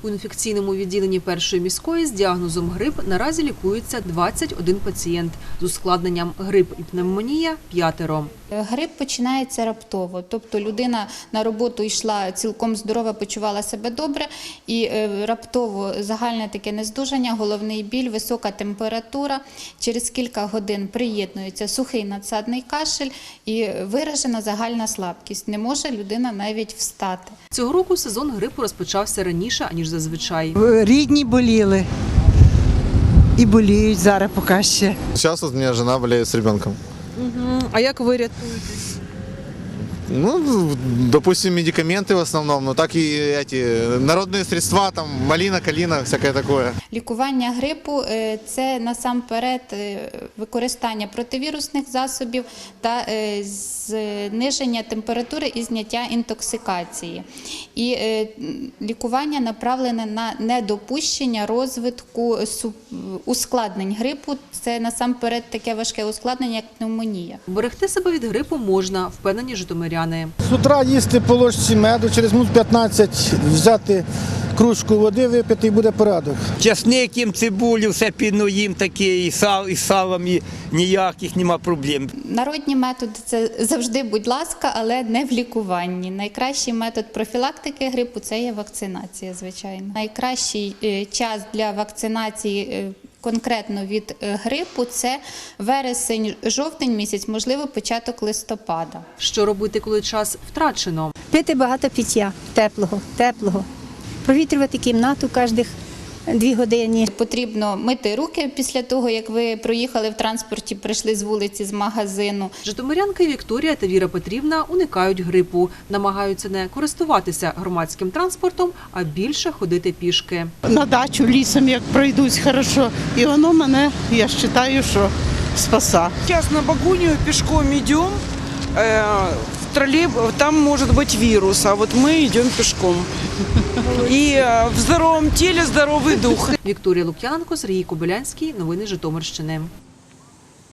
У інфекційному відділенні першої міської з діагнозом грип наразі лікується 21 пацієнт. З ускладненням грип і пневмонія – 5. Грип починається раптово, тобто людина на роботу йшла цілком здорова, почувала себе добре і раптово загальне таке нездужання, головний біль, висока температура. Через кілька годин приєднується сухий надсадний кашель і виражена загальна слабкість. Не може людина навіть встати. Цього року сезон грипу розпочався раніше, аніж зазвичай. Рідні боліли і боліють зараз поки ще. Сейчас вот у меня жена болеет с ребенком. А як ви рятуєтесь? Ну, допустим, медикаменты в основном, но так и эти народные средства, там малина, калина, всякое такое. Лікування грипу – це насамперед використання противірусних засобів та зниження температури і зняття інтоксикації. І лікування направлене на недопущення розвитку ускладнень грипу. Це насамперед таке важке ускладнення, як пневмонія. Берегти себе від грипу можна, впевнені житомиряни. З утра їсти по ложці меду, через минут 15 взяти кружку води, випити і буде порядок. Часник їм, цибулю, все підно їм таке, і салом, і ніяких нема проблем. Народні методи – це завжди, будь ласка, але не в лікуванні. Найкращий метод профілактики грипу – це є вакцинація, звичайно. Найкращий час для вакцинації конкретно від грипу – це вересень-жовтень місяць, можливо, початок листопада. Що робити, коли час втрачено? Пити багато пиття, теплого. Провітрювати кімнату кожних 2 години. Потрібно мити руки після того, як ви проїхали в транспорті, прийшли з вулиці, з магазину. Житомирянки Вікторія та Віра Петрівна уникають грипу. Намагаються не користуватися громадським транспортом, а більше ходити пішки. На дачу лісом, як пройдусь хорошо, і воно мене, я вважаю, що спаса. Сейчас на Багунию пешком идем, там может быть вирус, а вот мы идем пешком. И в здоровом теле здоровый дух. Вікторія Лук'яненко, Сергій Кобилянський. Новини Житомирщини.